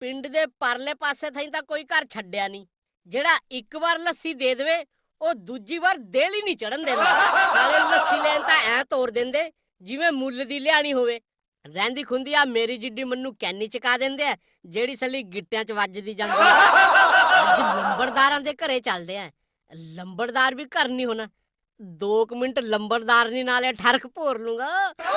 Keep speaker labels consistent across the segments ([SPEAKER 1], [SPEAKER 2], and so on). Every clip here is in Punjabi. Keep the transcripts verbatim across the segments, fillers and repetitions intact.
[SPEAKER 1] ਪਿੰਡ ਦੇ ਪਰਲੇ ਪਾਸੇ ਥਾਈਂ ਤਾਂ ਕੋਈ ਘਰ ਛੱਡਿਆ ਨਹੀਂ ਜਿਹੜਾ ਇੱਕ ਵਾਰ ਲੱਸੀ ਦੇ ਦੇਵੇ ਉਹ ਦੂਜੀ ਵਾਰ ਦੇਲ ਹੀ ਨਹੀਂ ਚੜਨ ਦਿੰਦਾ। ਸਾਲੇ ਲੱਸੀ ਲੈਣ ਤਾਂ ਐ ਤੋੜ ਦਿੰਦੇ ਜਿਵੇਂ ਮੁੱਲ ਦੀ ਲਿਆਣੀ ਹੋਵੇ। ਰਹਿੰਦੀ ਖੁੰਦੀ ਆ ਮੇਰੀ ਜਿੱਡੀ ਮੈਨੂੰ ਕੈਨੀ ਚਕਾ ਦਿੰਦੇ ਆ ਜਿਹੜੀ ਸਲੀ ਗਿੱਟਿਆਂ 'ਚ ਵੱਜਦੀ ਜਾਂਦੀ। ਅੱਜ ਲੰਬੜਦਾਰਾਂ ਦੇ ਘਰੇ ਚੱਲਦੇ ਆ। ਲੰਬੜਦਾਰ ਵੀ ਘਰ ਨਹੀਂ ਹੋਣਾ। ਦੋ ਕੁ ਮਿੰਟ ਲੰਬੜਦਾਰ ਨਹੀਂ ਨਾਲੇ ਠਰਕ ਭੋਰ ਲੂੰਗਾ।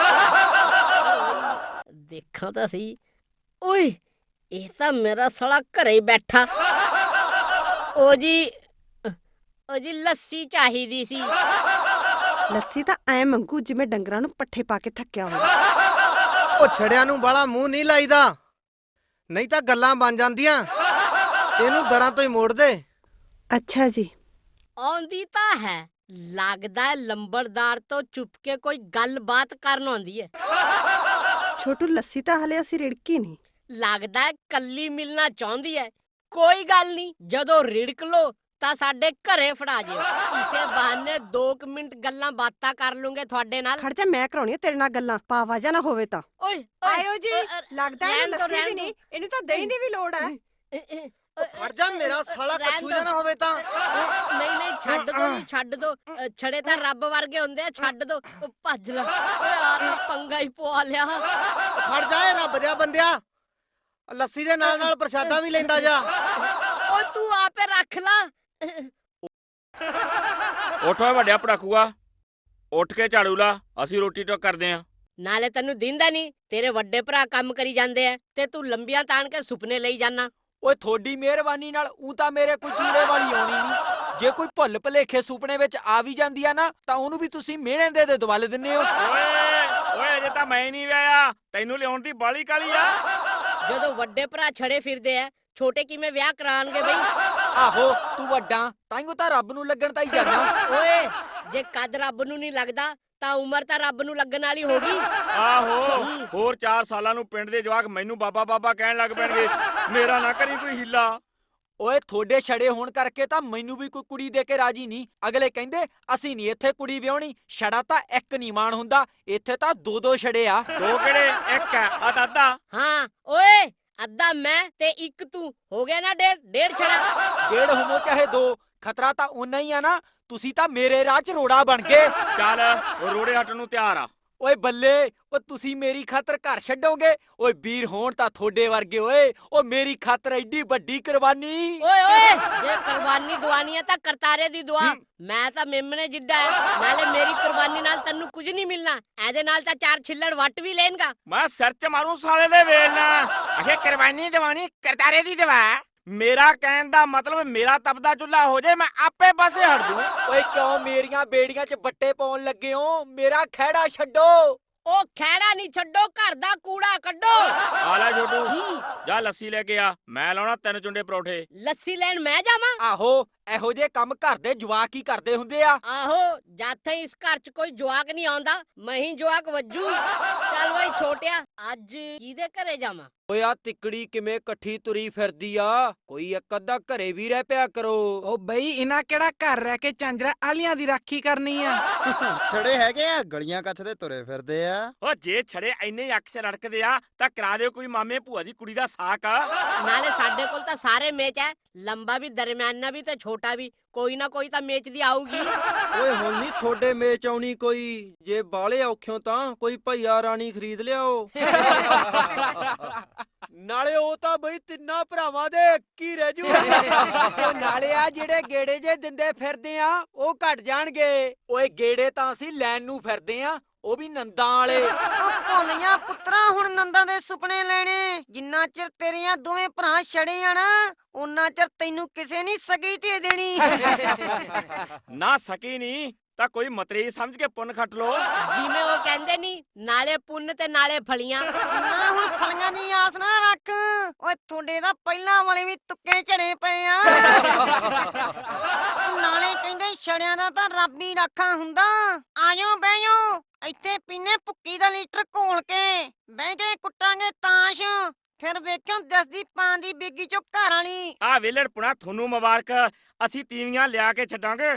[SPEAKER 1] ਦੇਖਾਂ ਤਾਂ ਸਹੀ। ਓਏ ਇਹ ਤਾਂ ਮੇਰਾ ਸਾਲਾ ਘਰੇ ਹੀ ਬੈਠਾ। ਓ ਜੀ ਓ ਜੀ ਲੱਸੀ ਚਾਹੀਦੀ ਸੀ।
[SPEAKER 2] ਲੱਸੀ ਤਾਂ ਐ ਮੰਗੂ ਜਿਵੇਂ ਡੰਗਰਾਂ ਨੂੰ ਪੱਠੇ ਪਾ ਕੇ ਥੱਕਿਆ ਹੋਵੇ।
[SPEAKER 3] ਉਹ ਛੜਿਆਂ ਨੂੰ ਬਾਲਾ ਮੂੰਹ ਨਹੀਂ ਲਾਈਦਾ ਨਹੀਂ ਤਾਂ ਗੱਲਾਂ ਬਣ ਜਾਂਦੀਆਂ। ਇਹਨੂੰ ਦਰਾਂ ਤੋਂ ਹੀ ਮੋੜ ਦੇ।
[SPEAKER 2] ਅੱਛਾ ਜੀ।
[SPEAKER 1] ਆਉਂਦੀ ਤਾਂ ਹੈ ਲੱਗਦਾ ਲੰਬੜਦਾਰ ਤੋਂ ਚੁੱਪ ਕੇ ਕੋਈ ਗੱਲਬਾਤ ਕਰਨ ਆਉਂਦੀ ਹੈ।
[SPEAKER 2] ਛੋਟੂ ਲੱਸੀ ਤਾਂ ਹਲੇ ਅਸੀਂ ਰਿੜਕੀ ਨਹੀਂ।
[SPEAKER 1] ਲੱਗਦਾ ਕੱਲੀ ਮਿਲਣਾ ਚਾਹੁੰਦੀ ਹੈ। ਕੋਈ ਗੱਲ ਨਹੀਂ ਜਦੋਂ ਰਿੜਕ ਲੋ ਤਾਂ ਸਾਡੇ ਘਰੇ ਫੜਾ ਜਿਓ। ਇਸੇ ਬਹਾਨੇ ਦੋ ਕੁ ਮਿੰਟ ਗੱਲਾਂ ਬਾਤਾਂ ਕਰ ਲੂੰਗੇ ਤੁਹਾਡੇ ਨਾਲ।
[SPEAKER 2] ਖੜ ਜਾ ਮੈਂ ਕਰਾਉਣੀ ਆ ਤੇਰੇ ਨਾਲ ਗੱਲਾਂ ਪਾਵਾ ਜਾ ਨਾ ਹੋਵੇ ਤਾਂ।
[SPEAKER 1] ਓਏ
[SPEAKER 2] ਆਇਓ ਜੀ। ਲੱਗਦਾ ਇਹਨੂੰ ਲੱਸੀ ਵੀ ਨਹੀਂ ਇਹਨੂੰ ਤਾਂ ਦਹੀਂ ਦੀ ਵੀ ਲੋੜ ਹੈ।
[SPEAKER 3] ਖੜ ਜਾ ਮੇਰਾ ਸਾਲਾ ਕੱਛੂ ਜਾ ਨਾ ਹੋਵੇ ਤਾਂ।
[SPEAKER 1] ਨਹੀਂ ਨਹੀਂ ਛੱਡ ਦੋ ਜੀ ਛੱਡ ਦੋ। ਛੜੇ ਤਾਂ ਰੱਬ ਵਰਗੇ ਹੁੰਦੇ ਆ ਛੱਡ ਦੋ। ਭੱਜ ਲੈ ਓਏ ਆ ਤਾਂ ਪੰਗਾ ਹੀ ਪਵਾ ਲਿਆ।
[SPEAKER 3] ਖੜ ਜਾ ਏ ਰੱਬ ਦਿਆ ਬੰਦਿਆ ਲੱਸੀ ਦੇ ਨਾਲ ਨਾਲ ਪ੍ਰਸ਼ਾਦਾ ਵੀ ਲੈਂਦਾ ਜਾ।
[SPEAKER 1] ਓ ਤੂੰ ਆਪੇ ਰੱਖ ਲਾ।
[SPEAKER 4] ਉੱਠ ਓਏ ਵੱਡਿਆ ਪੜਾਕੂਆ ਉੱਠ ਕੇ ਝਾੜੂ ਲਾ ਅਸੀਂ ਰੋਟੀ ਟੋਕ ਕਰਦੇ ਆਂ।
[SPEAKER 1] ਨਾਲੇ ਤੈਨੂੰ ਦਿੰਦਾ ਨਹੀਂ ਤੇਰੇ ਵੱਡੇ ਭਰਾ ਕੰਮ ਕਰੀ ਜਾਂਦੇ ਆ ਤੇ ਤੂੰ ਲੰਬੀਆਂ ਤਾਣ ਕੇ ਸੁਪਨੇ ਲਈ ਜਾਨਾ।
[SPEAKER 5] ਓਏ ਥੋੜੀ ਮਿਹਰਬਾਨੀ ਨਾਲ ਊਂ ਤਾਂ ਮੇਰੇ ਕੋਈ ਚੂੜੇ ਵਾਲੀ ਆਉਣੀ ਨਹੀਂ। ਜੇ ਕੋਈ ਭੁੱਲ ਭਲੇਖੇ ਸੁਪਨੇ ਵਿੱਚ ਆ ਵੀ ਜਾਂਦੀ ਆ ਨਾ ਤਾਂ ਉਹਨੂੰ ਵੀ ਤੁਸੀਂ ਮਿਹਣੇ ਦੇ ਦੇ ਦਵਾਲੇ ਦਿੰਨੇ ਹੋ।
[SPEAKER 4] ਓਏ ਓਏ ਅਜੇ ਤਾਂ ਮੈਂ ਨਹੀਂ ਵਿਆਹਿਆ ਤੈਨੂੰ ਲਿਆਉਣ ਦੀ ਬਾਲੀ ਕਾਲੀ ਆ।
[SPEAKER 1] ਜਦੋਂ ਵੱਡੇ ਭਰਾ ਛੜੇ ਫਿਰਦੇ ਆ ਛੋਟੇ ਕਿਵੇਂ ਵਿਆਹ ਕਰਾਣਗੇ ਬਈ।
[SPEAKER 5] ਆਹੋ ਤੂੰ ਵੱਡਾ ਤਾਈਓ ਤਾਂ ਰੱਬ ਨੂੰ ਲੱਗਣ ਤਾਂ ਹੀ ਜਾਣਾ।
[SPEAKER 1] ਓਏ ਜੇ ਕੱਦ ਰੱਬ ਨੂੰ ਨਹੀਂ ਲੱਗਦਾ ਤਾਂ ਉਮਰ ਤਾਂ ਰੱਬ ਨੂੰ ਲੱਗਣ ਵਾਲੀ ਹੋ ਗਈ।
[SPEAKER 4] ਆਹੋ ਹੋਰ ਚਾਰ ਸਾਲਾਂ ਨੂੰ ਪਿੰਡ ਦੇ ਜਵਾਕ ਮੈਨੂੰ ਬਾਬਾ ਬਾਬਾ ਕਹਿਣ ਲੱਗ ਪੈਣਗੇ। ਮੇਰਾ ਨਾ ਕਰੀ ਕੋਈ ਹੀਲਾ।
[SPEAKER 5] ਓਏ ਥੋੜੇ ਛੜੇ ਹੋਣ ਕਰਕੇ ਤਾਂ ਮੈਨੂੰ ਵੀ ਕੋਈ ਕੁੜੀ ਦੇ ਕੇ ਰਾਜੀ ਨਹੀਂ। ਅਗਲੇ ਕਹਿੰਦੇ ਅਸੀਂ ਨਹੀਂ ਇੱਥੇ ਕੁੜੀ ਵਿਆਹਣੀ। ਛੜਾ ਤਾਂ ਇੱਕ ਨਹੀਂ ਮਾਣ ਹੁੰਦਾ ਇੱਥੇ ਤਾਂ ਦੋ ਦੋ ਛੜੇ ਆ।
[SPEAKER 4] ਦੋ ਕਿਹੜੇ ਇੱਕ ਆ ਆ ਤਾਂ ਅੱਧਾ।
[SPEAKER 1] ਹਾਂ ਓਏ ਅੱਧਾ ਮੈਂ ਤੇ ਇੱਕ ਤੂੰ ਹੋ ਗਿਆ ਨਾ ਡੇਢ ਡੇਢ ਛੜਾ।
[SPEAKER 5] ਡੇਢ ਹੋਮੋ ਚਾਹੇ ਦੋ ਖਤਰਾ ਤਾਂ ਓਨਾ ਹੀ ਆ ਨਾ। ਤੁਸੀਂ ਤਾਂ ਮੇਰੇ ਰਾਹ 'ਚ ਰੋੜਾ ਬਣ ਗਏ।
[SPEAKER 4] ਚੱਲ ਉਹ ਰੋੜੇ ਹੱਟਣ ਨੂੰ ਤਿਆਰ ਆ।
[SPEAKER 5] ਓਏ ਬੱਲੇ ਓ ਤੁਸੀਂ ਮੇਰੀ ਖਾਤਰ ਘਰ ਛੱਡੋਗੇ। ਓਏ ਵੀਰ ਹੋਣ ਤਾਂ ਥੋੜੇ ਵਰਗੇ। ਓਏ ਓ ਮੇਰੀ ਖਾਤਰ ਐਡੀ ਵੱਡੀ ਕੁਰਬਾਨੀ।
[SPEAKER 1] ਓਏ ਓਏ ਜੇ ਕੁਰਬਾਨੀ ਦਵਾਨੀ ਹੈ ਤਾਂ ਕਰਤਾਰੇ ਦੀ ਦੁਆ। ਮੈਂ ਤਾਂ ਮੇਮਣੇ ਜਿੱਡਾ ਹੈ ਨਾਲੇ ਮੇਰੀ ਕੁਰਬਾਨੀ ਨਾਲ ਤੈਨੂੰ ਕੁਝ ਨਹੀਂ ਮਿਲਣਾ। ਇਹਦੇ ਨਾਲ ਤਾਂ ਚਾਰ ਛਿੱਲੜ ਵੱਟ ਵੀ ਲੈਣਗਾ।
[SPEAKER 4] ਮੈਂ ਸਿਰ 'ਚ ਮਾਰੂ ਸਾਲੇ ਦੇ ਵੇਲ ਨਾ। ਅਖੇ ਕੁਰਬਾਨੀ ਦਵਾਣੀ ਕਰਤਾਰੇ ਦੀ ਦਵਾ। ਮੇਰਾ ਕਹਿਣ ਦਾ ਮਤਲਬ ਮੇਰਾ ਤਪਦਾ ਚੁੱਲ੍ਹਾ ਹੋ ਜਾਏ ਮੈਂ ਆਪੇ ਪਾਸੇ ਹਟ ਦੂੰ।
[SPEAKER 5] ਓਏ ਕਿਉਂ ਮੇਰੀਆਂ ਬੇੜੀਆਂ 'ਚ ਬੱਟੇ ਪਾਉਣ ਲੱਗੇ ਹੋ। ਮੇਰਾ ਖਹਿੜਾ ਛੱਡੋ।
[SPEAKER 1] ਉਹ ਖਹਿੜਾ ਨਹੀਂ ਛੱਡੋ ਘਰ ਦਾ ਕੂੜਾ ਕੱਢੋ।
[SPEAKER 4] ਆ ਲੈ ਛੋਟੂ ਜਾ ਲੱਸੀ ਲੈ ਕੇ ਆ ਮੈਂ ਲਾਉਣਾ ਤਿੰਨ ਚੁੰਡੇ ਪਰੌਠੇ।
[SPEAKER 1] ਲੱਸੀ ਲੈਣ ਮੈਂ ਜਾਵਾਂ।
[SPEAKER 5] ਆਹੋ ਇਹੋ ਜੇ ਕੰਮ ਘਰ ਦੇ ਜਵਾਕ ਹੀ ਕਰਦੇ ਹੁੰਦੇ ਆ।
[SPEAKER 1] ਆਹੋ ਜਾਥੇ ਇਸ ਘਰ 'ਚ ਕੋਈ ਜਵਾਕ ਨਹੀਂ ਆਉਂਦਾ ਮੈਂ ਹੀ ਜਵਾਕ ਵੱਜੂ। ਚੱਲ ਬਈ ਛੋਟਿਆ ਅੱਜ ਕਿਹਦੇ ਘਰੇ ਜਾਵਾਂ।
[SPEAKER 5] ਓਏ ਆ ਤਿੱਕੜੀ ਕਿਵੇਂ ਇਕੱਠੀ ਤੁਰੀ ਫਿਰਦੀ ਆ। ਕੋਈ ਇੱਕ ਅੱਧਾ ਘਰੇ ਵੀ ਰਹਿ ਪਿਆ ਕਰੋ।
[SPEAKER 6] ਓ ਬਈ ਇਹਨਾਂ ਕਿਹੜਾ ਘਰ ਰਹਿ ਕੇ ਚਾਂਜਰਾ ਆਲੀਆਂ ਦੀ ਰਾਖੀ ਕਰਨੀ ਆ।
[SPEAKER 7] ਛੜੇ ਹੈਗੇ ਆ ਗਲੀਆਂ ਕੱਛ ਦੇ ਤੁਰੇ ਫਿਰਦੇ ਆ।
[SPEAKER 4] ਓ ਜੇ ਛੜੇ ਇੰਨੇ ਅੱਖ 'ਚ ਰੜਕਦੇ ਆ ਤਾਂ ਕਰਾ ਦਿਓ ਕੋਈ ਮਾਮੇ ਭੂਆ ਦੀ ਕੁੜੀ ਦਾ ਸਾਕ।
[SPEAKER 1] ਨਾਲੇ ਸਾਡੇ ਕੋਲ ਤਾਂ ਸਾਰੇ ਮੇਚ ਹੈ ਲੰਬਾ ਵੀ ਦਰਮਿਆਨਾ ਵੀ ਤੇ ਛੋਟਾ ਵੀ। ਕੋਈ ਨਾ ਕੋਈ ਤਾਂ ਮੇਚ ਦੀ ਆਊਗੀ।
[SPEAKER 3] ਓਏ ਹੁਣ ਨਹੀਂ ਥੋੜੇ ਮੇਚ ਆਉਣੀ ਕੋਈ। ਜੇ ਬਾਲੇ ਔਖਿਓ ਤਾਂ ਕੋਈ ਭਈਆ ਰਾਣੀ ਖਰੀਦ ਲਿਆਓ।
[SPEAKER 5] ਨਾਲੇ ਉਹ ਤਾਂ ਬਈ ਤਿੰਨਾਂ ਭਰਾਵਾਂ ਦੇ ਇੱਕ ਹੀ ਰਹਿ ਜੂ। ਨਾਲੇ ਆ ਜਿਹੜੇ ਗੇੜੇ ਜੇ ਦਿੰਦੇ ਫਿਰਦੇ ਆ ਉਹ ਘਟ ਜਾਣਗੇ। ਓਏ ਗੇੜੇ ਤਾਂ ਅਸੀਂ ਲੈਣ ਨੂੰ ਫਿਰਦੇ ਆ ਉਹ ਵੀ ਨੰਦਾਂ ਵਾਲੇ।
[SPEAKER 8] ਭੋਲੀਆਂ ਪੁੱਤਰਾ ਹੁਣ ਨੰਦਾਂ ਦੇ ਸੁਪਨੇ ਲੈਣੇ। ਜਿੰਨਾ ਚਿਰ ਤੇਰੀਆਂ ਦੋਵੇਂ ਭਰਾ ਛੜੇ ਆ ਨਾ ਉਨਾ ਚਿਰ ਤੈਨੂੰ ਕਿਸੇ ਨਹੀਂ ਸਗੀ ਤੇ ਦੇਣੀ।
[SPEAKER 4] ਨਾ ਸਕੀ ਨਹੀਂ ਤਾਂ ਕੋਈ ਮਤਰੇਈ ਸਮਝ ਕੇ ਪੁੰਨ ਖੱਟ ਲੋ।
[SPEAKER 1] ਜਿਵੇਂ ਉਹ ਕਹਿੰਦੇ ਨਹੀਂ ਨਾਲੇ ਪੁੰਨ ਤੇ ਨਾਲੇ ਫਲੀਆਂ।
[SPEAKER 8] ਨਾ ਹੁਣ ਫਲੀਆਂ ਦੀ ਆਸ ਨਾ ਰੱਖ। ਓਏ ਤੁਹਾਡੇ ਦਾ ਪਹਿਲਾਂ ਵਾਲੇ ਵੀ ਤੁੱਕੇ ਝੜੇ ਪਏ ਆ। ਨਾਲੇ ਕਹਿੰਦੇ ਛੜਿਆਂ ਦਾ ਤਾਂ ਰੱਬ ਹੀ ਰਾਖਾ ਹੁੰਦਾ। ਆਇਓ ਬਹਿਓ ਇੱਥੇ ਪੀਨੇ ਭੁੱਕੀ ਦਾ ਲੀਟਰ ਘੋਲ ਕੇ ਬਹਿ ਕੇ ਕੁੱਟਾਂਗੇ ਤਾਸ਼। ਫਿਰ ਵੇਖਿਓ ਦਸਦੀ ਪਾਂ ਦੀ ਬੇਗੀ ਚੋਂ ਘਰ ਵਾਲੀ।
[SPEAKER 4] ਆ ਵੇਲੜ ਪੁਣਾ ਤੁਹਾਨੂੰ ਮੁਬਾਰਕ ਅਸੀਂ ਤੀਵੀਆਂ ਲਿਆ ਕੇ ਛੱਡਾਂਗੇ।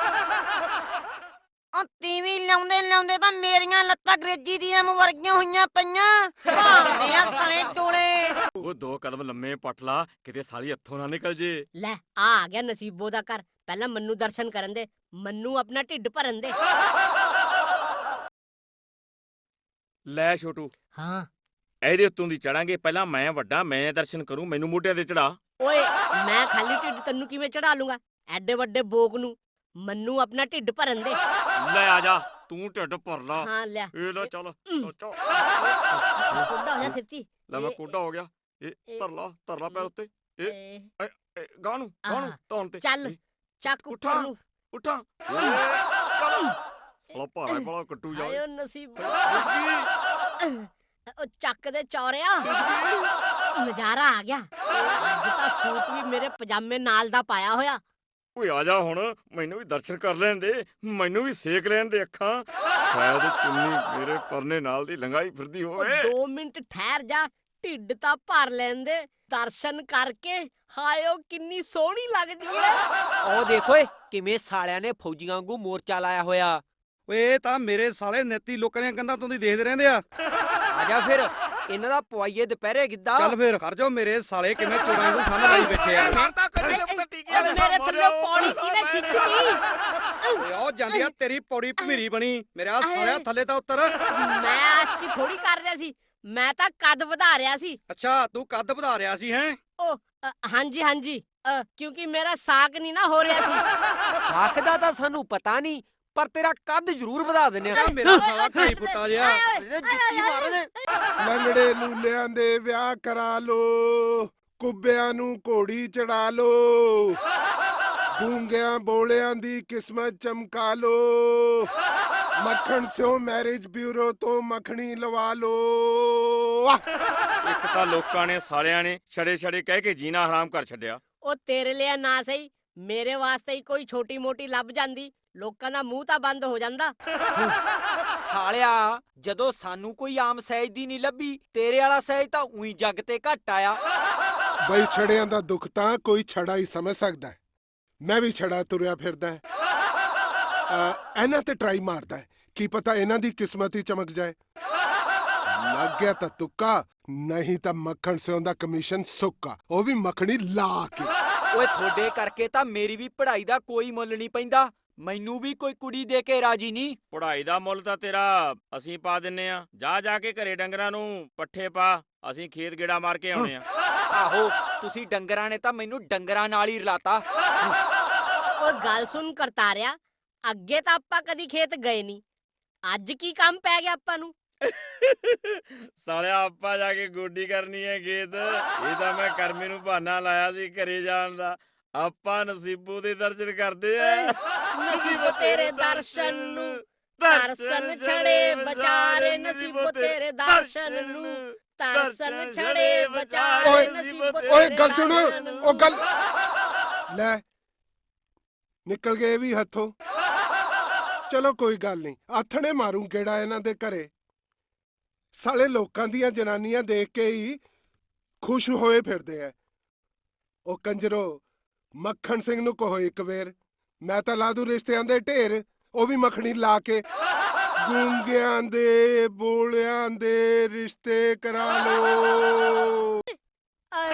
[SPEAKER 8] ਉਹ ਟੀਵੀ ਲਿਆਉਂਦੇ ਲਿਆਉਂਦੇ ਤਾਂ ਮੇਰੀਆਂ ਲੱਤਾਂ ਅੰਗਰੇਜ਼ੀ ਦੀਆਂ ਵਰਗੀਆਂ ਹੋਈਆਂ ਪਈਆਂ। ਭਾਲਦੇ ਆ ਸਾਰੇ ਟੋਲੇ।
[SPEAKER 4] ਉਹ ਦੋ ਕਦਮ ਲੰਮੇ ਪੱਟ ਲਾ, ਕਿਤੇ ਸਾਲੀ ਹੱਥੋਂ ਨਾ ਨਿਕਲ ਜੇ।
[SPEAKER 1] ਲੈ ਆ ਆ ਗਿਆ ਨਸੀਬੋ ਦਾ ਘਰ। ਪਹਿਲਾਂ ਮੰਨੂ ਦਰਸ਼ਨ ਕਰਨ ਦੇ, ਮੰਨੂ ਆਪਣਾ ਢਿੱਡ ਭਰਨ ਦੇ।
[SPEAKER 4] ਲੈ ਛੋਟੂ,
[SPEAKER 1] ਹਾਂ
[SPEAKER 4] ਇਹਦੇ ਉੱਤੋਂ ਦੀ ਚੜਾਂਗੇ। ਪਹਿਲਾਂ ਮੈਂ ਵੱਡਾ, ਮੈਂ ਦਰਸ਼ਨ ਕਰੂੰ, ਮੈਨੂੰ ਮੋਢਿਆਂ ਤੇ ਚੜਾ।
[SPEAKER 1] ਓਏ ਮੈਂ ਖਾਲੀ ਢਿੱਡ ਤੈਨੂੰ ਕਿਵੇਂ ਚੜਾ ਲੂੰਗਾ? ਐਡੇ ਵੱਡੇ ਬੋਕ ਨੂੰ। ਮੰਨੂ ਆਪਣਾ ਢਿੱਡ ਭਰਨ ਦੇ।
[SPEAKER 4] ਲੈ ਆ ਜਾ, ਤੂੰ ਢਿੱਡ ਭਰ ਲਾ।
[SPEAKER 1] ਹਾਂ ਲੈ
[SPEAKER 4] ਇਹ ਲੈ ਚੱਲ
[SPEAKER 1] ਹਮ।
[SPEAKER 4] ਚੱਲ।
[SPEAKER 1] ਕੁੰਡਾ ਹੋ ਜਾ ਸਿੱਧੀ।
[SPEAKER 4] ਲੈ ਮੈਂ
[SPEAKER 1] ਇਹ-
[SPEAKER 4] ਕੋਡਾ ਹੋ ਗਿਆ। ਇਹ
[SPEAKER 1] ਇਹ-
[SPEAKER 4] ਧਰ ਲਾ, ਧਰ ਲਾ ਪੈਰ ਉੱਤੇ। ਇਹ
[SPEAKER 1] ਏ,
[SPEAKER 4] ਇਹ ਗਾਂ ਨੂੰ, ਗਾਂ ਨੂੰ
[SPEAKER 1] ਆਹ,
[SPEAKER 4] ਧੌਣ ਤੇ।
[SPEAKER 1] ਚੱਲ
[SPEAKER 4] ਇਹ,
[SPEAKER 1] ਚੱਕ
[SPEAKER 4] ਉੱਠਾਂ।
[SPEAKER 1] ਉੱਪਰ ਨੂੰ।
[SPEAKER 4] ਉੱਠਾਂ। ਇਹ, ਚੱਲ। ਸਾਲਾ ਭਾਰਾ ਹੀ ਬੜਾ ਕੱਟੂ ਜਾ।
[SPEAKER 1] ਆਇਓ ਨਸੀਬੋ।
[SPEAKER 4] ਖਿਸਕੀ,
[SPEAKER 1] ਉਹ ਚੱਕ ਦੇ ਚੌਰਿਆ।
[SPEAKER 4] ਖਿਸਕੀ।
[SPEAKER 1] ਨਜ਼ਾਰਾ ਆ ਗਿਆ। ਅੱਜ ਤਾਂ ਸੂਟ ਵੀ ਮੇਰੇ ਪਜਾਮੇ ਨਾਲ ਦਾ ਪਾਇਆ ਹੋਇਆ।
[SPEAKER 4] ਓਏ ਆ ਜਾ ਹੁਣ, ਮੈਨੂੰ ਵੀ ਦਰਸ਼ਨ ਕਰ ਲੈਣ ਦੇ, ਮੈਨੂੰ ਵੀ ਸੇਕ ਲੈਣ ਦੇ ਅੱਖਾਂ। ਸ਼ਾਇਦ ਚੁੰਨੀ ਮੇਰੇ ਪਰਨੇ ਨਾਲ ਦੀ ਲੰਘਾਈ ਫਿਰਦੀ
[SPEAKER 1] ਉਹ
[SPEAKER 4] ਹੋਵੇ।
[SPEAKER 1] ਦੋ ਮਿੰਟ ਠਹਿਰ ਜਾ, ਢਿੱਡ ਤਾਂ ਭਰ ਲੈਂਦੇ। ਦਰਸ਼ਨ ਕਰਕੇ ਹਾਇਓ ਕਿੰਨੀ ਸੋਹਣੀ ਲੱਗਦੀ ਹੈ।
[SPEAKER 5] ਉਹ ਦੇਖੋ ਏ ਕਿਵੇਂ ਸਾਲਿਆਂ ਨੇ ਫੌਜੀਆਂ ਵਾਂਗੂ ਮੋਰਚਾ ਲਾਇਆ ਹੋਇਆ।
[SPEAKER 9] ਓਏ ਇਹ ਤਾਂ ਮੇਰੇ ਸਾਲੇ ਨੇਤੀ ਲੋਕਾਂ ਦੀਆਂ ਕੰਧਾਂ ਤੋਂ ਦੀ ਦੇਖਦੇ ਰਹਿੰਦੇ ਆ।
[SPEAKER 5] ਆ ਜਾ ਫਿਰ ਇਹਨਾਂ ਦਾ ਪਵਾਈਏ ਦੁਪਹਿਰੇ ਗਿੱਧਾ।
[SPEAKER 9] ਚੱਲ ਫਿਰ ਕਰ ਜਾਓ, ਮੇਰੇ ਸਾਲੇ ਕਿਵੇਂ ਚੋਰਾਂ ਨੂੰ ਸਾਹਮਣੇ ਲਾਈ ਬੈਠੇ ਆ।
[SPEAKER 4] ਕਰਤਾ ਕਰੀ ਦੇ ਪੁੱਤ ਟੀਕੇ
[SPEAKER 1] ਉਹ ਮੇਰੇ ਥੱਲੇ ਪੌੜੀ ਕਿਹਨੇ ਖਿੱਚਦੀ?
[SPEAKER 9] ਓਏ ਉਹ ਜਾਂਦੀ ਆ ਤੇਰੀ ਪੌੜੀ ਭਮੀਰੀ ਬਣੀ, ਮੇਰੇ ਆ ਸਾਲਿਆ ਥੱਲੇ ਤਾਂ ਉੱਤਰ।
[SPEAKER 1] ਮੈਂ ਆਸ਼ਕੀ ਥੋੜੀ ਕਰ ਰਿਹਾ ਸੀ, ਮੈਂ ਤਾਂ ਕੱਦ ਵਧਾ ਰਿਹਾ ਸੀ।
[SPEAKER 9] ਅੱਛਾ ਤੂੰ ਕੱਦ ਵਧਾ ਰਿਹਾ ਸੀ ਹੈਂ?
[SPEAKER 1] ਉਹ ਅ, ਹਾਂਜੀ ਹਾਂਜੀ ਅ, ਕਿਉਂਕਿ ਮੇਰਾ ਸਾਕ ਨਹੀਂ ਨਾ ਹੋ ਰਿਹਾ ਸੀ।
[SPEAKER 5] ਸਾਖ ਦਾ ਤਾਂ ਸਾਨੂੰ ਪਤਾ ਨਹੀਂ, ਪਰ ਤੇਰਾ ਕੱਦ ਜ਼ਰੂਰ ਵਧਾ ਦਿੰਨੇ ਆ।
[SPEAKER 9] ਆ ਮੇਰਾ ਸਾਲਾ ਢਾਈ ਫੁੱਟਾ ਜਿਹਾ।
[SPEAKER 5] ਜੁੱਤੀ ਮਾਰ ਦੇ।
[SPEAKER 10] ਲੰਗੜੇ ਲੂਲਿਆਂ ਦੇ ਵਿਆਹ ਕਰਾ ਲੋ, ਕੁੱਬਿਆਂ ਨੂੰ ਘੋੜੀ ਚੜਾ ਲੋ, ਗੂੰਗਿਆਂ ਬੋਲਿਆਂ ਦੀ ਕਿਸਮਤ ਚਮਕਾ ਲੋ, ਮੱਖਣ ਸਿਓ ਮੈਰਿਜ ਬਿਊਰੋ ਤੋਂ ਮੱਖਣੀ ਲਵਾ ਲੋ।
[SPEAKER 4] ਇੱਕ ਤਾਂ ਲੋਕਾਂ ਨੇ ਸਾਲਿਆਂ ਨੇ ਛੜੇ ਛੜੇ ਕਹਿ ਕੇ ਜੀਣਾ ਹਰਾਮ ਕਰ ਛੱਡਿਆ।
[SPEAKER 1] ਉਹ ਤੇਰੇ ਲਈ ਨਾ ਸਹੀ, ਮੇਰੇ ਵਾਸਤੇ ਹੀ ਕੋਈ ਛੋਟੀ ਮੋਟੀ ਲੱਭ ਜਾਂਦੀ, ਲੋਕਾਂ ਦਾ ਮੂੰਹ ਤਾਂ ਬੰਦ ਹੋ ਜਾਂਦਾ।
[SPEAKER 5] ਸਾਲਿਆ ਜਦੋਂ ਸਾਨੂੰ ਕੋਈ ਆਮ ਸਹਿਜ ਦੀ ਨਹੀਂ ਲੱਭੀ, ਤੇਰੇ ਵਾਲਾ ਸਹਿਜ ਤਾਂ ਉਹੀ ਜੱਗ ਤੇ ਘੱਟ ਆਇਆ।
[SPEAKER 10] ਬਈ ਛੜਿਆਂ ਦਾ ਦੁੱਖ ਤਾਂ ਕੋਈ ਛੜਾ ਹੀ ਸਮਝ ਸਕਦਾ ਹੈ। ਮੈਂ ਵੀ ਛੜਾ ਤੁਰਿਆ ਫਿਰਦਾ ਹੈ। ਅ, ਇਹਨਾਂ ਤੇ ਟਰਾਈ ਮਾਰਦਾ ਹੈ, ਕੀ ਪਤਾ ਇਹਨਾਂ ਦੀ ਕਿਸਮਤ ਹੀ ਚਮਕ ਜਾਏ। ਲੱਗ ਗਿਆ ਤਾਂ ਤੁੱਕਾ, ਨਹੀਂ ਤਾਂ ਮੱਖਣ ਸਿਉਂ ਦਾ ਕਮਿਸ਼ਨ ਸੁੱਕਾ, ਉਹ ਵੀ ਮੱਖਣੀ ਲਾ ਕੇ।
[SPEAKER 5] ਓਏ ਤੁਹਾਡੇ ਕਰਕੇ ਤਾਂ ਮੇਰੀ ਵੀ ਪੜ੍ਹਾਈ ਦਾ ਕੋਈ ਮੁੱਲ ਨਹੀਂ ਪੈਂਦਾ। ਮੈਨੂੰ ਵੀ ਕੋਈ ਕੁੜੀ ਦੇ ਕੇ ਰਾਜੀ ਨਹੀਂ।
[SPEAKER 4] ਪੜ੍ਹਾਈ ਦਾ ਮੁੱਲ ਤਾਂ ਤੇਰਾ ਅਸੀਂ ਪਾ ਦਿੰਨੇ ਆ। ਜਾ ਜਾ ਕੇ ਘਰੇ ਡੰਗਰਾਂ ਨੂੰ ਪੱਠੇ ਪਾ, ਅਸੀਂ ਖੇਤ ਗੇੜਾ ਮਾਰ ਕੇ ਆਉਣੇ ਆ।
[SPEAKER 5] ਆਹੋ ਤੁਸੀਂ ਡੰਗਰਾਂ ਨੇ ਤਾਂ ਮੈਨੂੰ ਡੰਗਰਾਂ ਨਾਲ ਹੀ ਰਲਾਤਾ।
[SPEAKER 1] ਉਹ ਗੱਲ ਸੁਣ ਕਰਤਾਰਿਆ, ਅੱਗੇ ਤਾਂ ਆਪਾਂ ਕਦੀ ਖੇਤ ਗਏ ਨਹੀਂ, ਅੱਜ ਕੀ ਕੰਮ ਪੈ ਗਿਆ ਆਪਾਂ ਨੂੰ?
[SPEAKER 4] ਸਾਲਿਆ ਆਪਾਂ ਜਾ ਕੇ ਗੋਡੀ ਕਰਨੀ ਹੈ ਖੇਤ। ਇਹ ਤਾਂ ਮੈਂ ਕਰਮੇ ਨੂੰ ਬਹਾਨਾ ਲਾਇਆ ਸੀ ਘਰੇ ਜਾਣ ਦਾ। ਆਪਾਂ ਨਸੀਬੋ ਦੇ ਦਰਸ਼ਨ ਕਰਦੇ ਆ।
[SPEAKER 1] ਨਸੀਬੋ ਤੇਰੇ ਦਰਸ਼ਨ ਨੂੰ, ਦਰਸ਼ਨ ਛੜੇ ਵਿਚਾਰੇ ਨਸੀਬੋ ਤੇਰੇ ਦਰਸ਼ਨ ਨੂੰ, ਦਰਸ਼ਨ ਛੜੇ ਵਿਚਾਰੇ
[SPEAKER 10] ਓਏ
[SPEAKER 1] ਨਸੀਬੋ ਤੇਰੇ
[SPEAKER 10] ਓਏ ਗੱਲ ਸੁਣ,
[SPEAKER 1] ਦਰਸ਼ਨ ਨੂੰ।
[SPEAKER 10] ਉਹ ਗੱਲ ਲੈ ਨਿਕਲ ਗਏ ਵੀ ਹੱਥੋਂ। ਚਲੋ ਕੋਈ ਗੱਲ ਨਹੀਂ, ਆਥਣੇ ਮਾਰੂ ਕਿਹੜਾ ਇਹਨਾਂ ਦੇ ਘਰੇ। ਸਾਲੇ ਲੋਕਾਂ ਦੀਆਂ ਜਨਾਨੀਆਂ ਦੇਖ ਕੇ ਹੀ ਖੁਸ਼ ਹੋਏ ਫਿਰਦੇ ਐ। ਉਹ ਕੰਜਰੋ ਮੱਖਣ ਸਿੰਘ ਨੂੰ ਕਹੋ ਇੱਕ ਵੇਰ, ਮੈਂ ਤਾਂ ਲਾ ਦੂ ਰਿਸ਼ਤਿਆਂ ਦੇ ਢੇਰ, ਉਹ ਵੀ ਮੱਖਣੀ ਲਾ ਕੇ। ਗੂੰਗਿਆਂ ਦੇ ਬੋਲਿਆਂ ਦੇ ਰਿਸ਼ਤੇ ਕਰਾ ਲੋ।
[SPEAKER 1] ਆਏ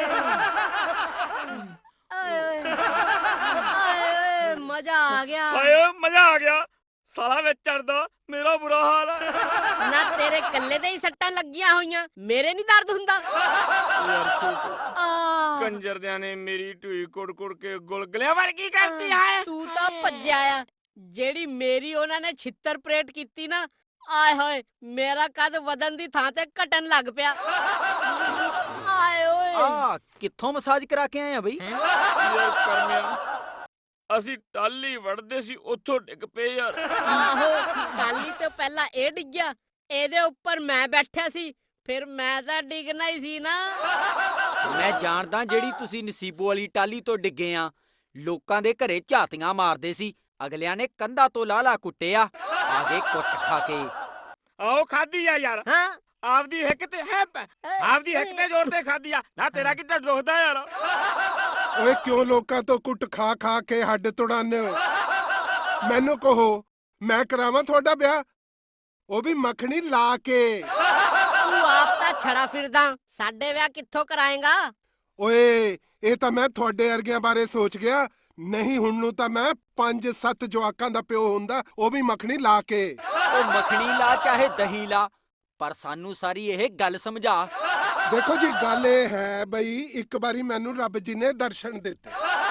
[SPEAKER 1] ਆਏ ਆਏ ਓਏ ਮਜ਼ਾ ਆ ਗਿਆ।
[SPEAKER 4] ਆਏ ਮਜ਼ਾ ਆ ਗਿਆ। ਸਾਲਾ ਵਿੱਚ ਚੜਦਾ ਮੇਰਾ ਬੁਰਾ ਹਾਲ ਹੈ।
[SPEAKER 1] ਨਾ ਤੇਰੇ ਕੱਲੇ ਦੇ ਹੀ ਸੱਟਾਂ ਲੱਗੀਆਂ ਹੋਈਆਂ, ਮੇਰੇ ਨਹੀਂ ਦਰਦ ਹੁੰਦਾ।
[SPEAKER 4] ਯਾਰ ਛੋਟੂ,
[SPEAKER 1] ਆ
[SPEAKER 4] ਕੰਜਰਦਿਆਂ ਨੇ ਮੇਰੀ ਢੂਈ ਕੁੜ ਕੁੜ ਕੇ ਗੁਲਗੁਲਿਆਂ ਵਰਗੀ ਕਰਤੀ ਹੈ।
[SPEAKER 1] ਤੂੰ ਤਾਂ ਭੱਜਿਆ ਆ, ਜਿਹੜੀ ਮੇਰੀ ਉਹਨਾਂ ਨੇ ਛਿੱਤਰ ਪਰੇਡ ਕੀਤੀ ਨਾ, ਆਏ ਹੋਏ ਮੇਰਾ ਕੱਦ ਵਧਣ ਦੀ ਥਾਂ ਤੇ ਘਟਣ ਲੱਗ ਪਿਆ। ਆਏ ਓਏ
[SPEAKER 5] ਆ ਕਿੱਥੋਂ ਮਸਾਜ ਕਰਾ ਕੇ ਆਏ ਆ ਬਈ?
[SPEAKER 1] ਹੈਂ?
[SPEAKER 4] ਯਾਰ ਕਰਮਿਆ, ਅਸੀਂ ਟਾਲੀ ਵੜਦੇ ਸੀ, ਉੱਥੋਂ ਡਿੱਗ ਪਏ ਯਾਰ।
[SPEAKER 1] ਆਹੋ ਟਾਲੀ ਤੋਂ ਪਹਿਲਾਂ ਇਹ ਡਿੱਗਿਆ, ਇਹਦੇ ਉੱਪਰ ਮੈਂ ਬੈਠਿਆ ਸੀ, ਫਿਰ ਮੈਂ ਤਾਂ ਡਿੱਗਣਾ ਹੀ ਸੀ ਨਾ।
[SPEAKER 5] ਮੈਂ ਜਾਣਦਾ ਜਿਹੜੀ ਤੁਸੀਂ ਨਸੀਬੋ ਵਾਲੀ ਟਾਲੀ ਤੋਂ ਡਿੱਗੇ ਆ। ਲੋਕਾਂ ਦੇ ਘਰੇ ਝਾਤੀਆਂ ਮਾਰਦੇ ਸੀ, ਅਗਲਿਆਂ ਨੇ ਕੰਧਾਂ ਤੋਂ ਲਾਲਾ ਕੁੱਟਿਆ, ਆਗੇ ਕੁੱਟ ਖਾ ਕੇ।
[SPEAKER 4] ਆਓ ਖਾਦੀ ਆ ਯਾਰ,
[SPEAKER 1] ਹਾਂ
[SPEAKER 4] ਆਪਦੀ ਹਿੱਕ ਤੇ ਹੈ, ਆਪਦੀ ਹਿੱਕ ਤੇ ਜ਼ੋਰ ਤੇ ਖਾਦੀ ਆ ਨਾ। ਤੇਰਾ ਕਿੱਡਾ ਦੁਖਦਾ ਯਾਰ।
[SPEAKER 10] ਓਏ ਕਿਉਂ ਲੋਕਾਂ ਤੋਂ ਕੁੱਟ ਖਾ ਖਾ ਕੇ ਹੱਡ ਤੁੜਾਉਂਦੇ ਹੋ? ਮੈਨੂੰ ਕਹੋ, ਮੈਂ ਕਰਾਵਾਂ ਤੁਹਾਡਾ ਵਿਆਹ, ਉਹ ਵੀ ਮੱਖਣੀ ਲਾ ਕੇ।
[SPEAKER 1] ਤੂੰ ਆਪ ਤਾਂ ਛੜਾ ਫਿਰਦਾ, ਸਾਡੇ ਵਿਆਹ ਕਿੱਥੋਂ ਕਰਾਏਗਾ?
[SPEAKER 10] ਓਏ ਇਹ ਤਾਂ ਮੈਂ ਤੁਹਾਡੇ ਵਰਗਿਆਂ ਬਾਰੇ ਸੋਚ ਗਿਆ। ਨਹੀਂ ਹੁਣ ਨੂੰ ਤਾਂ ਮੈਂ ਪੰਜ ਸੱਤ ਜਵਾਕਾਂ ਦਾ ਪਿਓ ਹੁੰਦਾ, ਉਹ ਵੀ ਮੱਖਣੀ ਲਾ ਕੇ।
[SPEAKER 5] ਉਹ ਮੱਖਣੀ ਲਾ ਚਾਹੇ ਦਹੀਂ ਲਾ, ਪਰ ਸਾਨੂੰ ਸਾਰੀ ਇਹ ਗੱਲ ਸਮਝਾ।
[SPEAKER 10] ਦੇਖੋ ਜੀ ਗੱਲ ਇਹ ਹੈ ਬਈ, ਇੱਕ ਵਾਰੀ ਮੈਨੂੰ ਰੱਬ ਜੀ ਨੇ ਦਰਸ਼ਨ ਦਿੱਤੇ।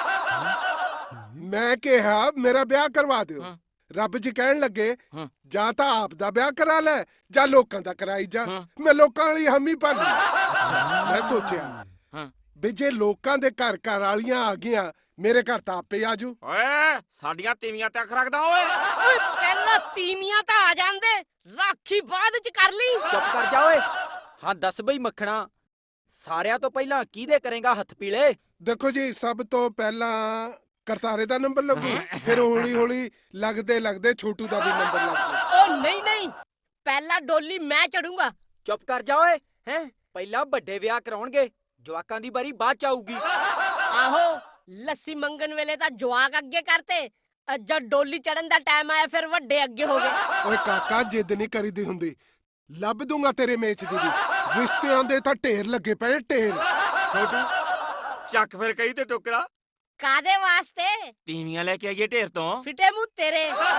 [SPEAKER 10] ਮੈਂ ਕਿਹਾ ਮੇਰਾ ਵਿਆਹ ਕਰਵਾ ਦਿਓ।
[SPEAKER 4] ਹਾਂ।
[SPEAKER 10] ਰੱਬ ਜੀ ਕਹਿਣ ਲੱਗੇ
[SPEAKER 4] ਹਾਂ।
[SPEAKER 10] ਜਾਂ ਤਾਂ ਆਪ ਦਾ ਵਿਆਹ ਕਰਾ ਲੈ ਜਾਂ ਲੋਕਾਂ ਦਾ ਕਰਾਈ ਜਾ।
[SPEAKER 4] ਹਾਂ।
[SPEAKER 10] ਮੈਂ ਲੋਕਾਂ ਵਾਲੀ ਹਮੀ ਭਰ ਲਈ। ਮੈਂ ਸੋਚਿਆ
[SPEAKER 4] ਹਾਂ।
[SPEAKER 10] ਵੀ ਜੇ ਲੋਕਾਂ ਦੇ ਘਰ ਘਰ ਵਾਲੀਆਂ ਆ ਗਈਆਂ, ਮੇਰੇ ਘਰ ਤਾਂ ਆਪੇ ਆਜੂ।
[SPEAKER 4] ਓਏ ਸਾਡੀਆਂ ਤੀਵੀਆਂ ਤੇ ਅੱਖ ਰੱਖਦਾ ਓਏ।
[SPEAKER 1] ਓਏ ਪਹਿਲਾਂ ਤੀਵੀਆਂ ਤਾਂ ਆ ਜਾਂਦੇ, ਰਾਖੀ ਬਾਅਦ ਚ ਕਰ ਲਈ।
[SPEAKER 5] ਚੁੱਪ ਕਰ ਜਾ ਓਏ। ਹਾਂ ਦੱਸ ਬਈ ਮੱਖਣਾ, ਸਾਰਿਆਂ ਤੋਂ ਪਹਿਲਾਂ ਕਿਹਦੇ ਕਰੇਗਾ ਹੱਥ ਪੀਲੇ?
[SPEAKER 10] ਦੇਖੋ ਜੀ, ਸਭ ਤੋਂ ਪਹਿਲਾਂ ਕਰਤਾਰੇ ਦਾ ਨੰਬਰ ਲੱਗੂ, ਫਿਰ ਹੌਲੀ ਹੌਲੀ ਲੱਗਦੇ ਲੱਗਦੇ ਛੋਟੂ ਦਾ ਵੀ ਨੰਬਰ ਲੱਗੂ।
[SPEAKER 1] ਓ ਨਹੀਂ ਨਹੀਂ, ਪਹਿਲਾਂ ਡੋਲੀ ਮੈਂ ਚੜੂੰਗਾ।
[SPEAKER 5] ਚੁੱਪ ਕਰ ਜਾ ਓਏ।
[SPEAKER 1] ਹੈਂ?
[SPEAKER 5] ਪਹਿਲਾਂ ਵੱਡੇ ਵਿਆਹ ਕਰਾਉਣਗੇ, ਜਵਾਕਾਂ ਦੀ ਵਾਰੀ ਬਾਅਦ ਚ ਆਊਗੀ।
[SPEAKER 1] ਆਹੋ, ਲੱਸੀ ਮੰਗਣ ਵੇਲੇ ਤਾਂ ਜਵਾਕ ਅੱਗੇ ਕਰਤੇ, ਅ ਜਦ ਡੋਲੀ ਚੜਨ ਦਾ ਟਾਈਮ ਆਇਆ ਫਿਰ ਵੱਡੇ ਅੱਗੇ ਹੋ ਗਏ।
[SPEAKER 10] ਓਏ ਕਾਕਾ, ਜਿੱਦ ਨਹੀਂ ਕਰੀਦੀ ਹੁੰਦੀ। ਲੱਭ ਦੂੰਗਾ ਤੇਰੇ ਮੇਚ ਦੀ ਵੀ। ਰਿਸ਼ਤਿਆਂ ਦੇ ਤਾਂ ਢੇਰ ਲੱਗੇ ਪਏ, ਢੇਰ।
[SPEAKER 4] ਛੋਟੂ ਚੱਕ ਫਿਰ ਕਹੀ ਤੇ ਟੋਕਰਾ,
[SPEAKER 1] ਕਾਦੇ ਵਾਸਤੇ?
[SPEAKER 4] ਤੀਵੀਆਂ ਲੈ ਕੇ ਆਈਏ ਢੇਰ ਤੋਂ।
[SPEAKER 1] ਫਿੱਟੇ ਮੂੰਹ ਤੇਰੇ।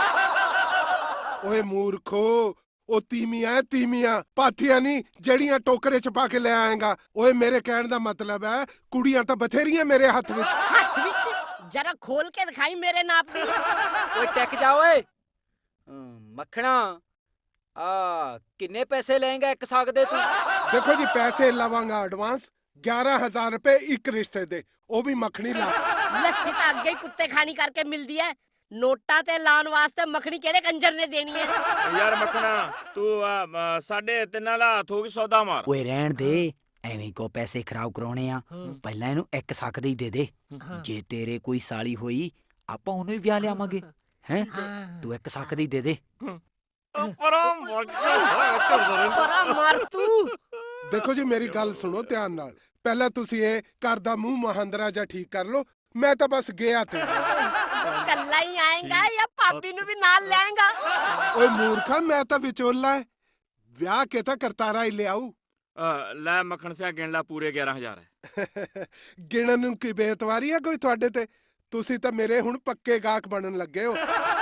[SPEAKER 10] ਓਏ ਮੂਰਖੋ, ਉਹ ਤੀਮੀਆਂ ਤੀਮੀਆਂ ਪਾਥੀਆਂ ਨਹੀਂ ਜਿਹੜੀਆਂ ਟੋਕਰੇ ਚ ਪਾ ਕੇ ਲੈ ਆਏਗਾ। ਓਏ ਮੇਰੇ ਕਹਿਣ ਦਾ ਮਤਲਬ ਹੈ ਕੁੜੀਆਂ ਤਾਂ ਬਥੇਰੀਆਂ ਮੇਰੇ ਹੱਥ ਵਿੱਚ।
[SPEAKER 1] ਹੱਥ ਵਿੱਚ ਜਰਾ ਖੋਲ ਕੇ ਦਿਖਾਈ ਮੇਰੇ ਨਾਪ ਦੀ।
[SPEAKER 5] ਓਏ ਟਿਕ ਜਾ ਓਏ। ਹਮ, ਮੱਖਣਾ ਆ ਕਿੰਨੇ ਪੈਸੇ ਲਏਗਾ ਇੱਕ ਸਾਗ ਦੇ ਤੂੰ?
[SPEAKER 10] ਦੇਖੋ ਜੀ, ਪੈਸੇ ਲਵਾਂਗਾ ਐਡਵਾਂਸ ਗਿਆਰਾਂ ਹਜ਼ਾਰ ਰੁਪਏ ਇੱਕ ਰਿਸ਼ਤੇ ਦੇ, ਉਹ ਵੀ ਮੱਖਣੀ ਲਾ ਕੇ।
[SPEAKER 1] ਲੱਸੀ ਤਾਂ ਅੱਗੇ ਹੀ ਕੁੱਤੇ ਖਾਣੀ ਕਰਕੇ ਮਿਲਦੀ ਐ, ਨੋਟਾਂ ਤੇ ਲਾਉਣ ਵਾਸਤੇ ਮੱਖਣੀ ਕਿਹੜੇ ਕੰਜਰ ਨੇ ਦੇਣੀ ਐ?
[SPEAKER 4] ਯਾਰ ਮੱਖਣਾ ਤੂੰ ਆ, ਮ, ਸਾਡੇ ਤਿੰਨਾਂ ਦਾ ਹੱਥ ਹੋ ਗਈ ਸੌਦਾ ਮਾਰ।
[SPEAKER 5] ਓਏ ਰਹਿਣ ਦੇ, ਐਵੇਂ ਕੋ ਪੈਸੇ ਖਰਾਬ ਕਰਾਉਣੇ ਆ। ਪਹਿਲਾਂ ਇਹਨੂੰ ਇੱਕ ਸਾਕ ਦੇ ਹੀ ਦੇ ਦੇ। ਜੇ ਤੇਰੇ ਕੋਈ ਸਾਲੀ ਹੋਈ, ਆਪਾਂ ਉਹਨੂੰ ਹੀ ਵਿਆਹ ਲਿਆਵਾਂਗੇ। ਹੈਂ, ਤੂੰ ਇੱਕ ਸਾਕ ਦੇ ਹੀ ਦੇ ਦੇ।
[SPEAKER 4] ਪਰਾਂ ਮਰ ਜਾ।
[SPEAKER 1] ਪਰਾ ਮਾਰ ਤੂੰ।
[SPEAKER 10] ਦੇਖੋ ਜੀ, ਮੇਰੀ ਗੱਲ ਸੁਣੋ ਧਿਆਨ ਨਾਲ। ਪਹਿਲਾਂ ਤੁਸੀਂ ਇਹ ਘਰ ਦਾ ਮੂੰਹ ਮਹਾਂਦਰਾ ਜਾਂ ਠੀਕ ਕਰ ਲਓ। ਮੈਂ ਤਾਂ ਬਸ ਗਿਆ ਤੇ।
[SPEAKER 1] ਕੱਲਾ ਹੀ ਆਏਗਾ ਜਾਂ ਭਾਬੀ ਨੂੰ ਵੀ ਨਾਲ ਲੈਂਗਾ?
[SPEAKER 10] ਓਏ ਮੂਰਖਾ, ਮੈਂ ਤਾਂ ਵਿਚੋਲਾ ਹੈ। ਵਿਆਹ ਕੇ ਤਾਂ ਕਰਤਾਰਾ ਹੀ ਲਿਆਊ।
[SPEAKER 4] ਅ, ਲੈ ਮੱਖਣ ਸਿਆ ਗਿਣ ਲਾ, ਪੂਰੇ ਗਿਆਰਾਂ ਹਜ਼ਾਰ ਹੈ।
[SPEAKER 10] ਗਿਣਨ ਨੂੰ ਕੀ ਬੇਇਤਵਾਰੀ ਹੈ ਕੋਈ ਤੁਹਾਡੇ ਤੇ? ਤੁਸੀਂ ਤਾਂ ਮੇਰੇ ਹੁਣ ਪੱਕੇ ਗਾਹਕ ਬਣਨ ਲੱਗੇ ਹੋ।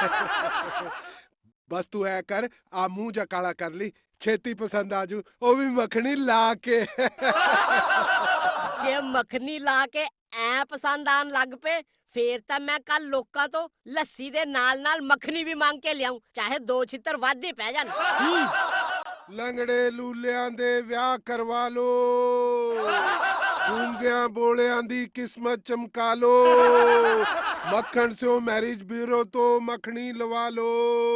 [SPEAKER 10] ਬਸ ਤੂੰ ਐ ਕਰ, ਆ ਮੂੰਹ ਜਾ ਕਾਲਾ ਕਰ ਲਈ, ਛੇਤੀ ਪਸੰਦ ਆਜੂ, ਉਹ ਵੀ ਮੱਖਣੀ ਲਾ ਕੇ।
[SPEAKER 1] ਜੇ ਮੱਖਣੀ ਲਾ ਕੇ ਐ ਪਸੰਦ ਆਣ ਲੱਗ ਪਏ, ਫੇਰ ਤਾਂ ਮੈਂ ਕੱਲ ਲੋਕਾਂ ਤੋਂ ਲੱਸੀ ਦੇ ਨਾਲ ਨਾਲ ਮੱਖਣੀ ਵੀ ਮੰਗ ਕੇ ਲਿਆਉਂ, ਚਾਹੇ ਦੋ ਛਿੱਤਰ ਵੱਧ ਹੀ ਪੈ ਜਾਣ।
[SPEAKER 10] ਲੰਗੜੇ ਲੂਲਿਆਂ ਦੇ ਵਿਆਹ ਕਰਵਾ ਲੋ, ਗੂੰਗਿਆਂ ਬੋਲਿਆਂ ਦੀ ਕਿਸਮਤ ਚਮਕਾ ਲੋ, ਮੱਖਣ ਸਿਓ ਮੈਰਿਜ ਬਿਊਰੋ ਤੋਂ ਮੱਖਣੀ ਲਵਾ ਲੋ।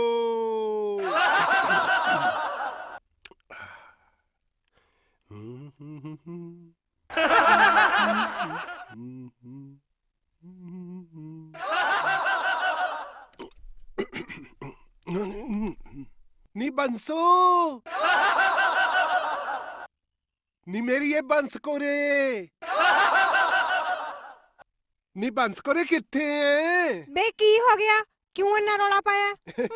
[SPEAKER 10] ਨੀ ਬੰਸੋ, ਨੀ ਮੇਰੀ ਇਹ ਬੰਸ ਕੋਰੇ, ਨੀ ਬੰਸ ਕੋਰੇ ਕਿੱਥੇ ਐ?
[SPEAKER 2] ਬੇ ਕੀ ਹੋ ਗਿਆ? ਕਿਉਂ ਇੰਨਾ ਰੌਲਾ ਪਾਇਆ?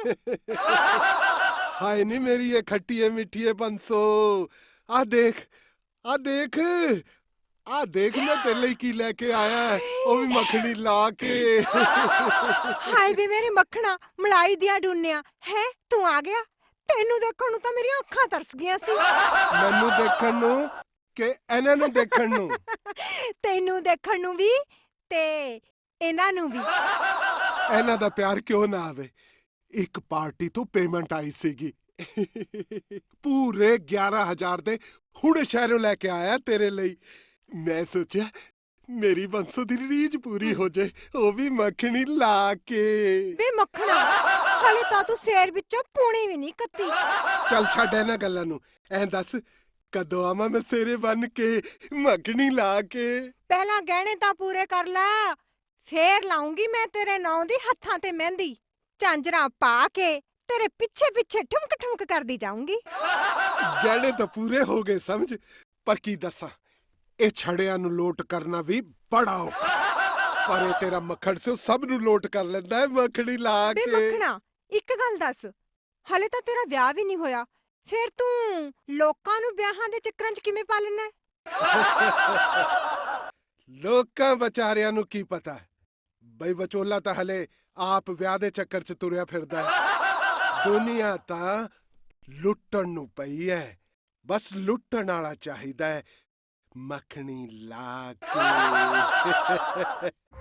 [SPEAKER 10] ਹਾਏ ਨੀ ਮੇਰੀ ਇਹ ਖੱਟੀਏ ਮਿੱਠੀਏ ਬੰਸੋ, ਆ ਦੇਖ, ਆ ਦੇਖ, ਆ ਦੇਖ ਮੈਂ ਤੇਰੇ ਲਈ ਕੀ ਲੈ ਕੇ ਆਇਆ, ਉਹ ਵੀ ਮੱਖਣੀ ਲਾ ਕੇ।
[SPEAKER 2] ਹਾਏ ਵੇ ਮੇਰੇ ਮੱਖਣਾ, ਮਲਾਈ ਦੀਆਂ ਡੂਨਿਆ ਹੈ, ਤੂੰ ਆ ਗਿਆ? ਤੈਨੂੰ ਦੇਖਣ ਨੂੰ ਤਾਂ ਮੇਰੀਆਂ ਅੱਖਾਂ ਤਰਸ ਗਈਆਂ ਸੀ।
[SPEAKER 10] ਮੈਨੂੰ ਦੇਖਣ ਨੂੰ ਕਿ ਇਹਨਾਂ ਨੂੰ ਦੇਖਣ ਨੂੰ?
[SPEAKER 2] ਤੈਨੂੰ ਦੇਖਣ ਨੂੰ ਵੀ ਤੇ ਇਹਨਾਂ ਨੂੰ ਵੀ।
[SPEAKER 10] ਇਹਨਾਂ ਦਾ ਪਿਆਰ ਕਿਉਂ ਨਾ ਆਵੇ? ਇੱਕ ਪਾਰਟੀ ਤੋਂ ਪੇਮੈਂਟ ਆਈ ਸੀਗੀ, ਪੂਰੇ ਗਿਆਰਾਂ ਹਜ਼ਾਰ ਦੇ, ਹੁਣ ਸ਼ਹਿਰੋਂ ਲੈ ਕੇ ਆਇਆ ਤੇਰੇ ਲਈ। ਮੈਂ ਸੋਚਿਆ ਮੇਰੀ ਬੰਸੋ ਦੀ ਰੀਝ ਪੂਰੀ ਹੋ ਜੇ, ਉਹ ਵੀ ਮੱਖਣੀ ਲਾ ਕੇ।
[SPEAKER 2] ਵੇ ਮੱਖਣਾ, ਹਾਲੇ ਤਾਂ ਤੂੰ ਸ਼ੇਰ ਵਿੱਚੋਂ ਪੂਣੀ ਵੀ ਨਹੀਂ ਕੱਤੀ।
[SPEAKER 10] ਚੱਲ ਛੱਡ ਇਹਨਾਂ ਗੱਲਾਂ ਨੂੰ, ਐਂ ਦੱਸ ਕਦੋਂ ਆਵਾਂ ਮੈਂ ਸੇਰੇ ਬਨ ਕੇ ਮੱਖਣੀ ਲਾ ਕੇ?
[SPEAKER 2] ਪਹਿਲਾਂ ਗਹਿਣੇ ਤਾਂ ਪੂਰੇ ਕਰ ਲੈ, ਫੇਰ ਲਾਉਂਗੀ ਮੈਂ ਤੇਰੇ ਨਾਂ ਦੀ ਹੱਥਾਂ ਤੇ ਮਹਿੰਦੀ। ਝਾਂਜਰਾਂ ਪਾ ਕੇ ਤੇਰੇ ਪਿੱਛੇ ਪਿੱਛੇ ਠੁਮਕ ਠੁਮਕ ਕਰਦੀ ਜਾਊਂਗੀ।
[SPEAKER 10] ਗਹਿਣੇ ਤਾਂ ਪੂਰੇ ਹੋ ਗਏ ਸਮਝ, ਪਰ ਕੀ ਦੱਸਾਂ, ਇਹ ਛੜਿਆਂ ਨੂੰ ਲੋਟ ਕਰਨਾ ਵੀ ਬੜਾ ਔਖਾ। ਪਰ ਇਹ ਤੇਰਾ ਮੱਖਣ ਸਿਓ ਸਭ ਨੂੰ ਲੋਟ ਕਰ ਲੈਂਦਾ ਹੈ ਮੱਖਣੀ ਲਾ
[SPEAKER 2] ਬੇ
[SPEAKER 10] ਕੇ।
[SPEAKER 2] ਮੱਖਣਾ, ਇੱਕ ਗੱਲ ਦੱਸ, ਹਾਲੇ ਤਾਂ ਤੇਰਾ ਵਿਆਹ ਵੀ ਨਹੀਂ ਹੋਇਆ, ਫਿਰ ਤੂੰ ਲੋਕਾਂ ਨੂੰ ਵਿਆਹਾਂ ਦੇ ਚੱਕਰਾਂ 'ਚ ਕਿਵੇਂ ਪਾ ਲੈਣਾ?
[SPEAKER 10] ਲੋਕਾਂ ਵਿਚਾਰਿਆਂ ਨੂੰ ਕੀ ਪਤਾ ਬਈ ਵਿਚੋਲਾ ਤਾਂ ਹਲੇ ਆਪ ਵਿਆਹ ਦੇ ਚੱਕਰ 'ਚ ਤੁਰਿਆ ਫਿਰਦਾ ਹੈ। ਦੁਨੀਆ ਤਾਂ ਲੁੱਟਣ ਨੂੰ ਪਈ ਹੈ, ਬਸ ਲੁੱਟਣ ਵਾਲਾ ਚਾਹੀਦਾ ਹੈ, ਮੱਖਣੀ ਲਾ ਕੇ।